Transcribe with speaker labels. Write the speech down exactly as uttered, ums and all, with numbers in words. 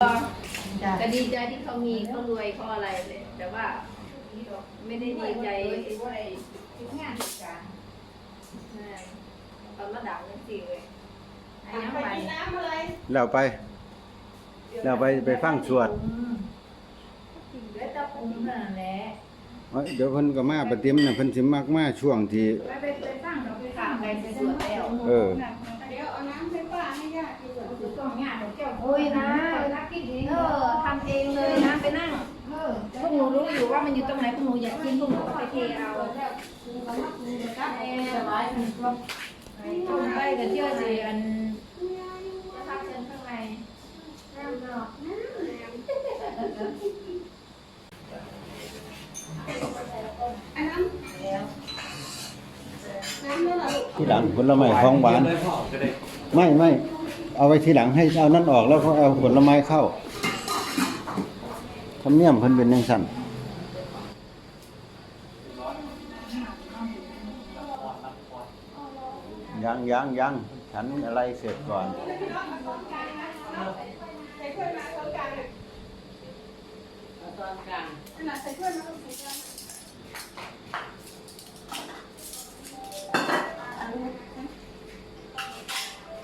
Speaker 1: ก็ดีใจที่เขามีเขารวยเขาอะไรเลยแต่ว่าไม่ได้ดีใจงานการตอนระดับนั่นสิเลยไอ้น้ำไป
Speaker 2: แล้วไปแล้วไปไปฟังสวด
Speaker 1: เดี๋ยวจะปุ่มนั่นแหละ
Speaker 2: เอ้ยเดี๋ยวเพิ่นก็มาประเตรียมน่ะเพิ่นสิมักมาช่วงที่
Speaker 1: ไปไปไปฟังเราไปฟังไปไปสวดแล้ว
Speaker 2: เออ
Speaker 3: เดี๋ยวเอาน้ำให้ป้าให้ญาติกินก่อน
Speaker 1: ต้องงานของเจ้าโอ้ยนะเออทำเองเลยนะไปนั่งพวกหนูรู้อยู่ว่ามันอยู่ตรงไหนพวกหนูอยากกินพวกหนูก็ไปเทเอาต้มไปกับเจ้าสิอันจะทำเชิญข้างใน
Speaker 3: อันน้ำน้ำแล้วเหรอ
Speaker 2: ที่หลังผลไม้ของหวานไม่ไม่เอาไว้ทีหลังให้เอานั่นออกแล้วก็เอาผลไม้เข้าทำเนียมเพิ่นเป็นจังซั่นยังยังยังฉันอะไรเสร็จก่อน
Speaker 3: ใส่ถ้วยมาตรงกลางอ่ะ
Speaker 4: ตอนกลาง
Speaker 3: ขนาดใส่ถ้วยมา